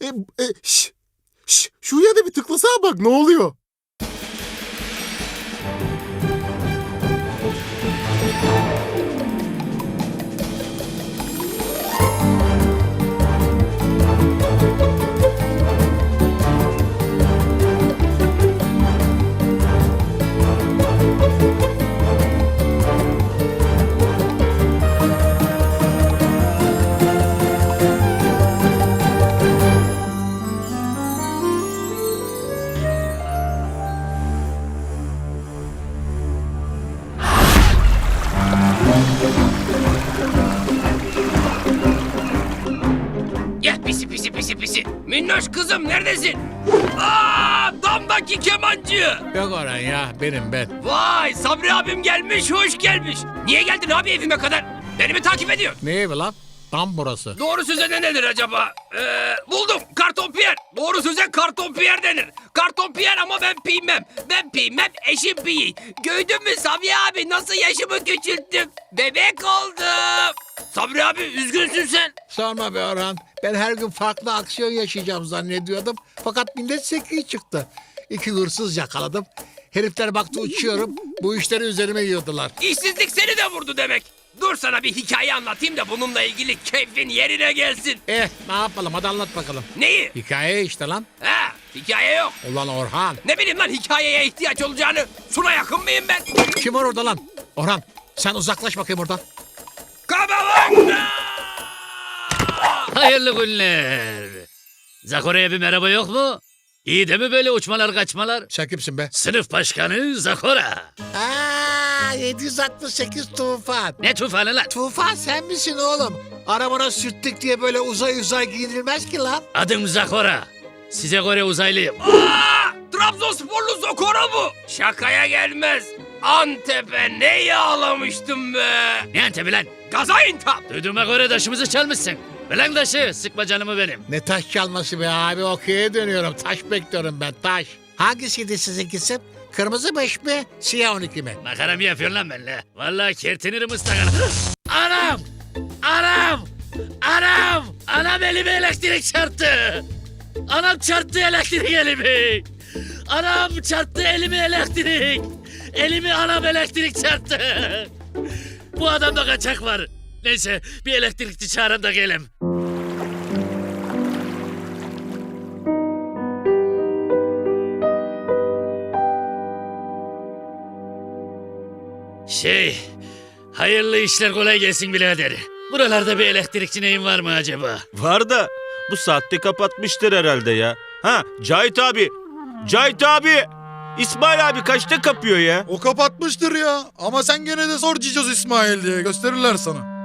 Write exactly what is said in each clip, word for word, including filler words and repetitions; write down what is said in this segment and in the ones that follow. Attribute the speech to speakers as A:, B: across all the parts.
A: E, e, şş, şş, şuraya da bir tıklasana bak ne oluyor?
B: Gel pisi pisi pisi pisi. Minnoş kızım neredesin? Aa, damdaki kemancı.
C: Yok Orhan ya, benim ben.
B: Vay, Sabri abim gelmiş, hoş gelmiş. Niye geldin abi evime kadar? Beni mi takip ediyor?
C: Ne evi lan? Tam burası.
B: Doğru söze ne denir acaba? Ee, buldum, karton piyer. Doğru söze karton piyer denir. Karton piyer ama ben piymem. Ben piymem, eşim piyi. Gördün mü Sabri abi nasıl yaşımı küçülttüm? Bebek oldum. Sabri abi üzgünsün sen.
C: Sorma be Orhan. Ben her gün farklı aksiyon yaşayacağım zannediyordum. Fakat millet sekiyi çıktı. İki hırsız yakaladım. Herifler baktı uçuyorum. Bu işleri üzerime yiyordular.
B: İşsizlik seni de vurdu demek. Dur sana bir hikaye anlatayım da bununla ilgili keyfin yerine gelsin.
C: Eh ne yapalım, hadi anlat bakalım.
B: Neyi?
C: Hikaye işte lan.
B: Ha, hikaye yok.
C: Ulan Orhan.
B: Ne bileyim lan hikayeye ihtiyaç olacağını. Suna yakın mıyım ben?
C: Kim var orada lan? Orhan sen uzaklaş bakayım oradan.
B: Kabavanga!
D: Hayırlı günler. Zakora'ya bir merhaba yok mu? İyi de mi böyle uçmalar kaçmalar?
C: Sen kimsin be?
D: Sınıf başkanı Zakora.
C: Aa, yedi yüz altmış sekiz Tufan.
D: Ne tufanı lan?
C: Tufan sen misin oğlum? Arabana sürttük diye böyle uzay uzay giyinilmez ki lan.
D: Adım Zakora. Size göre uzaylıyım.
B: Aa, Trabzonsporlu Zokora bu. Şakaya gelmez. Antep'e ne yağlamıştım be.
D: Ne Antep'i lan?
B: Gaziantep.
D: Duyduğuma göre taşımızı çalmışsın. Ulan taşı, sıkma canımı benim.
C: Ne taş çalması be abi, okey'e dönüyorum. Taş bekliyorum ben, taş. Hangisiydi sizinkisi? Kırmızı beş mi, siyah on iki mi?
D: Makara mı yapıyorsun lan benimle? Vallahi kertinirim ıstakana. Anam! Anam! Anam! Anam elime elektrik çarptı. Anam çarptı elektrik elimi. Anam çarptı elimi elektrik. Elimi anam elektrik çarptı. Bu adamda kaçak var. Neyse bir elektrikçi çağırın da gelin. Şey, hayırlı işler kolay gelsin birader. Buralarda bir elektrikçi neyin var mı acaba?
E: Var da bu saatte kapatmıştır herhalde ya. Ha Cahit abi. Cahit abi. İsmail abi kaçta kapıyor ya?
A: O kapatmıştır ya. Ama sen gene de sor Cicoz İsmail diye gösterirler sana.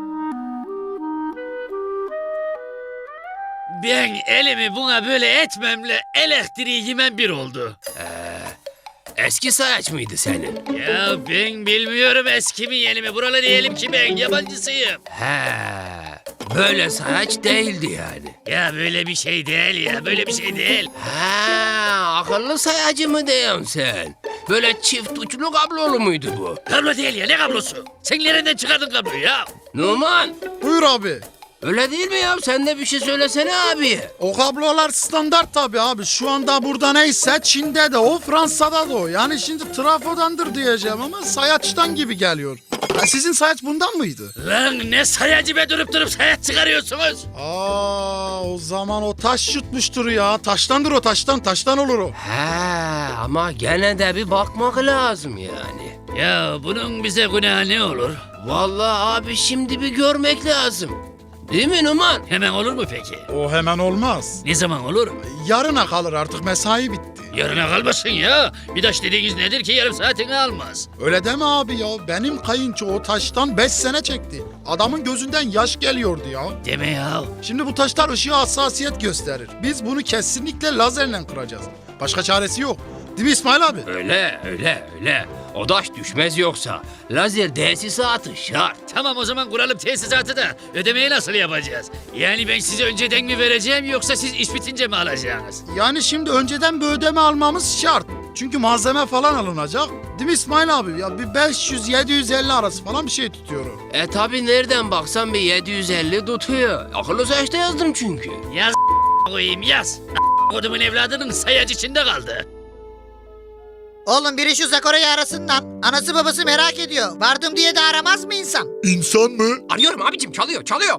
D: Ben elimi buna böyle etmemle elektriği yemem bir oldu.
B: Eski sayaç mıydı senin?
D: Ya ben bilmiyorum eski mi yeni mi. Buralı diyelim ki ben yabancısıyım.
B: He, böyle sayaç değildi yani.
D: Ya böyle bir şey değil ya, böyle bir şey değil.
B: He, akıllı sayacı mı diyorsun sen? Böyle çift uçlu kablolu muydu bu?
D: Kablo değil ya, ne kablosu? Sen nereden çıkardın kabloyu ya?
B: Numan,
A: Buyur abi.
B: öyle değil mi ya? Sen de bir şey söylesene abi.
A: O kablolar standart tabii abi. Şu anda burada neyse Çin'de de o, Fransa'da da o. Yani şimdi trafodandır diyeceğim ama sayaçtan gibi geliyor. Ha, sizin sayaç bundan mıydı?
D: Lan ne sayacı be, durup durup sayat çıkarıyorsunuz.
A: Aa, o zaman o taş yutmuştur ya. Taştandır o, taştan. Taştan olur o.
B: He, ama gene de bir bakmak lazım yani.
D: Ya bunun bize günahı ne olur?
B: Vallahi abi şimdi bir görmek lazım. Değil mi Numan?
D: Hemen olur mu peki?
A: O hemen olmaz.
D: Ne zaman olur?
A: Yarına kalır, artık mesai bitti.
D: Yarına kalmasın ya. Bir taş dediğiniz nedir ki yarım saatini almaz.
A: Öyle deme abi ya. Benim kayınço o taştan beş sene çekti. Adamın gözünden yaş geliyordu ya.
D: Deme ya.
A: Şimdi bu taşlar ışığa hassasiyet gösterir. Biz bunu kesinlikle lazerle kıracağız. Başka çaresi yok. Değil mi İsmail abi?
B: Öyle öyle öyle. O taş düşmez yoksa. Lazer tesisatı şart.
D: Tamam o zaman kuralım tesisatı da ödemeyi nasıl yapacağız? Yani ben size önceden mi vereceğim yoksa siz iş bitince mi alacaksınız?
A: Yani şimdi önceden bir ödeme almamız şart. Çünkü malzeme falan alınacak. Değil mi İsmail abi? Ya bir beş yüz yedi yüz elli arası falan bir şey tutuyor o.
B: E tabi nereden baksan bir yedi yüz elli tutuyor. Akıllı saçta yazdım çünkü.
D: Ya koyayım yaz. Kodumun evladının sayaç içinde kaldı.
F: Oğlum biri şu Zakora'yı arasından. Anası babası merak ediyor. Vardım diye de aramaz mı insan?
C: İnsan mı?
B: Arıyorum abicim, çalıyor çalıyor.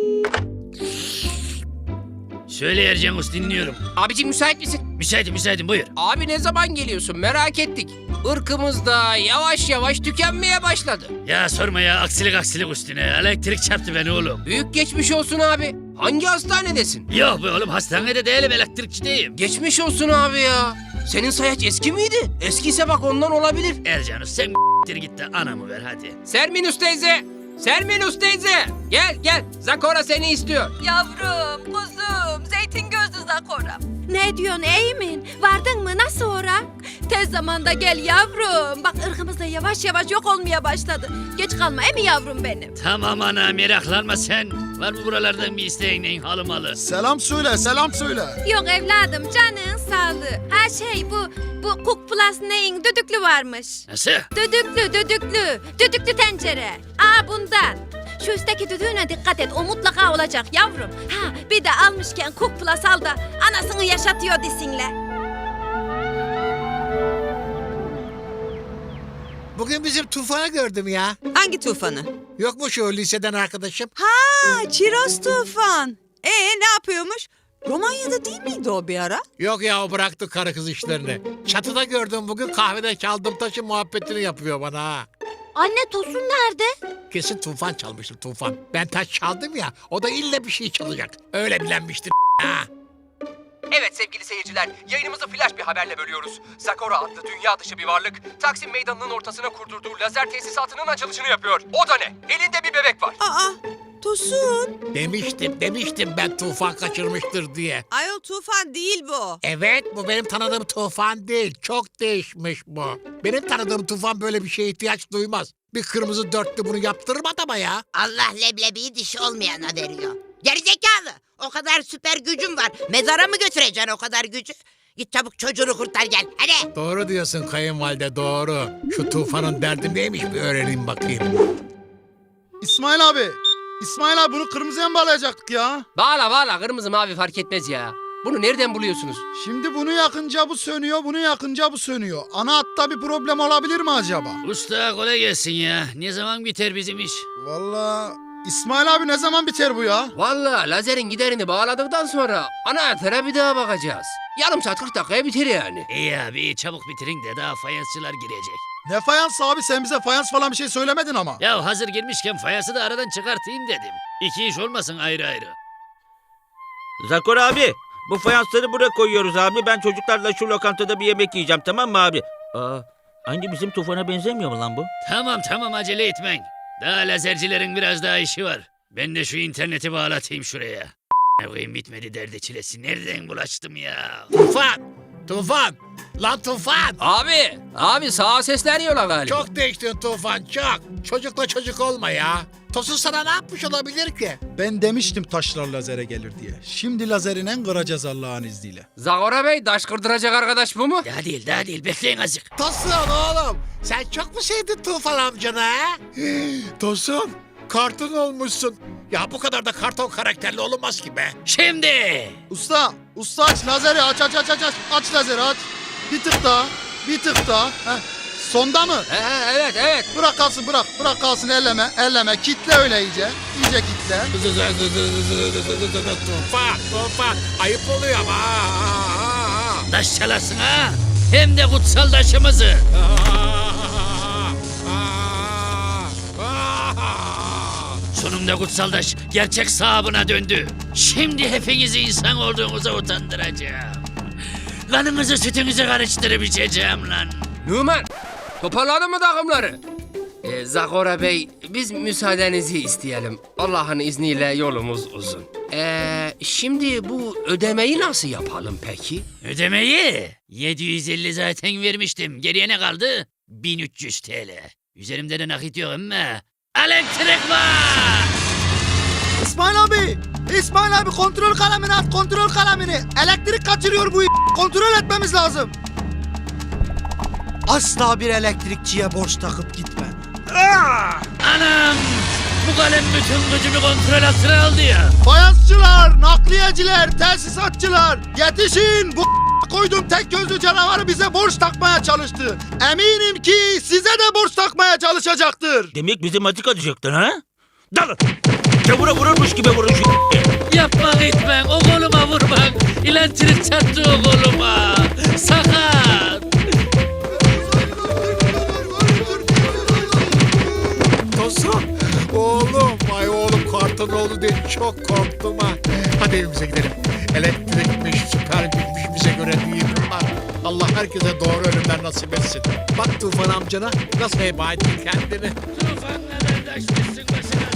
D: Söyle Ercan Usta, dinliyorum.
B: Abicim müsait misin?
D: Müsaitim müsaitim buyur.
B: Abi ne zaman geliyorsun merak ettik. Irkımız da yavaş yavaş tükenmeye başladı.
D: Ya sorma ya, aksilik aksilik üstüne. Elektrik çarptı beni oğlum.
B: Büyük geçmiş olsun abi. Hangi hastanedesin?
D: Yok be oğlum, hastanede değilim, elektrikçideyim.
B: Geçmiş olsun abi ya. Senin sayaç eski miydi? Eskiyse bak ondan olabilir.
D: Ercan Usta sen git de anamı ver hadi.
B: Serminus teyze. Serminus teyze. Gel gel. Zakora seni istiyor.
G: Yavrum, kuzum, zeytin gözlü Zakora. Ne diyorsun Eymin? Vardın mı? Nasıl ora? Tez zamanda gel yavrum. Bak ırkımız da yavaş yavaş yok olmaya başladı. Geç kalma emi yavrum benim.
D: Tamam ana, meraklanma sen. Var mı buralardan bir isteğin neyin halı malı?
A: Selam söyle, selam söyle.
G: Yok evladım, canın sağlığı. Ha şey bu, bu Cook Plus neyin düdüklü varmış.
D: Nasıl?
G: Düdüklü, düdüklü, düdüklü tencere. Aa bundan. Şu üstteki düdüğüne dikkat et, o mutlaka olacak yavrum. Ha bir de almışken Cook Plus al da anasını yaşatıyor desinle.
C: Bugün bizim Tufan'ı gördüm ya.
H: Hangi tufanı?
C: Yok mu şu liseden arkadaşım?
H: Ha, Çiroz tufan. Ee ne yapıyormuş? Romanya'da değil miydi o bir ara?
C: Yok ya, o bıraktı karı kız işlerini. Çatıda gördüm bugün, kahvede çaldım taşı muhabbetini yapıyor bana ha.
G: Anne Tosun nerede?
C: Kesin Tufan çalmıştır, Tufan. Ben taş çaldım ya, o da illa bir şey çalacak. Öyle bilenmiştir ha.
I: Evet sevgili seyirciler, yayınımızı flash bir haberle bölüyoruz. Zakora adlı dünya dışı bir varlık, Taksim Meydanı'nın ortasına kurdurduğu lazer tesisatının açılışını yapıyor. O da ne? Elinde bir bebek var.
H: Aa, Tosun.
C: Demiştim, demiştim ben Tufan kaçırmıştır diye.
H: Ayol tufan değil bu.
C: Evet, bu benim tanıdığım Tufan değil. Çok değişmiş bu. Benim tanıdığım Tufan böyle bir şeye ihtiyaç duymaz. Bir kırmızı dörtlü bunu yaptırmadı ama ya.
F: Allah leblebiyi dişi olmayana veriyor. Gerizekalı. O kadar süper gücüm var. Mezara mı götüreceksin o kadar gücü? Git çabuk çocuğunu kurtar gel. Hadi.
C: Doğru diyorsun kayınvalide, doğru. Şu Tufan'ın derdi neymiş bir öğreneyim bakayım.
A: İsmail abi, İsmail abi bunu kırmızıya mı bağlayacaktık ya?
B: Bağla bağla, kırmızı mavi fark etmez ya. Bunu nereden buluyorsunuz?
A: Şimdi bunu yakınca bu sönüyor, bunu yakınca bu sönüyor. Ana hatta bir problem olabilir mi acaba?
D: Usta kolay gelsin ya. Ne zaman biter bizim iş?
A: Vallahi İsmail abi ne zaman biter bu ya?
B: Vallahi lazerin giderini bağladıktan sonra anahtara bir daha bakacağız. Yarım saat kırk dakikaya biter yani.
D: İyi abi iyi, çabuk bitirin de daha fayansçılar girecek.
A: Ne fayans abi, sen bize fayans falan bir şey söylemedin ama.
D: Ya hazır girmişken fayansı da aradan çıkartayım dedim. İki iş olmasın ayrı ayrı.
E: Zakor abi, bu fayansları buraya koyuyoruz abi. Ben çocuklarla şu lokantada bir yemek yiyeceğim, tamam mı abi? Aa, aynı bizim Tufan'a benzemiyor mu lan bu?
D: Tamam tamam, acele etmeyin. Daha lazercilerin biraz daha işi var. Ben de şu interneti bağlatayım şuraya. Ne koyayım, bitmedi derdi çilesi. Nereden bulaştım ya?
C: Tufan! Tufan! Lan Tufan!
B: Abi, abi sağa sesleniyorlar galiba.
C: Çok değiştin Tufan, çok. Çocukla çocuk olma ya. Tosun sana ne yapmış olabilir ki?
A: Ben demiştim taşlar lazere gelir diye. Şimdi lazerinen kıracağız Allah'ın izniyle.
B: Zakora Bey, taş kırdıracak arkadaş bu mu?
D: Daha değil daha değil, bekleyin azıcık.
C: Tosun oğlum, sen çok mu sevdin Tufan amcanı ha? Tosun, karton olmuşsun. Ya bu kadar da karton karakterli olunmaz ki be.
D: Şimdi.
A: Usta, usta aç lazeri, aç aç aç aç aç. Aç lazeri aç. Bir tık daha, bir tık daha. Heh. Sonda mı?
B: He, he, evet evet.
A: Bırak kalsın, bırak. Bırak kalsın, elleme, elleme. Kitle öyle iyice. İyice kitle.
C: Tufan, Tufan, ayıp oluyor ama.
D: Taş çalarsın ha. Hem de kutsal taşımızı. Sonunda kutsal taş gerçek sahibine döndü. Şimdi hepinizi insan olduğunuza utandıracağım. Kanınızı sütünüzü karıştırıp içeceğim lan.
B: Numan, toparladın mı takımları? Ee, Zakora Bey, biz müsaadenizi isteyelim. Allah'ın izniyle yolumuz uzun. Ee, şimdi bu ödemeyi nasıl yapalım peki?
D: Ödemeyi yedi yüz elli zaten vermiştim. Geriye ne kaldı? bin üç yüz TL. Üzerimde de nakit yok ama elektrik var.
A: İsmail abi, İsmail abi kontrol kalemini at, kontrol kalemini. Elektrik kaçırıyor bu kontrol etmemiz lazım. Asla bir elektrikçiye borç takıp gitme.
D: Anam! Bu kalem bütün gücümü kontrol altına aldı ya.
A: Fayansçılar, nakliyeciler, tesisatçılar yetişin. Bu koydum tek gözlü canavarı bize borç takmaya çalıştı. Eminim ki size de borç takmaya çalışacaktır.
E: Demek bizi matik atacaktın ha? Dalın. Çamura vururmuş gibi vurun şu
D: Yapma gitmen, o koluma vurmak. İlentilik çarptı o koluma. Sakat.
C: Tosun. Oğlum, ay oğlum karton oldu diye çok korktum ha. Hadi evimize gidelim. Elektrikmiş, süper güçmüş bize göre değil bunlar. Allah herkese doğru ölümler nasip etsin. Bak Tufan amcana nasıl heba etti kendini.
D: Tufanla derdaşmışsın başına.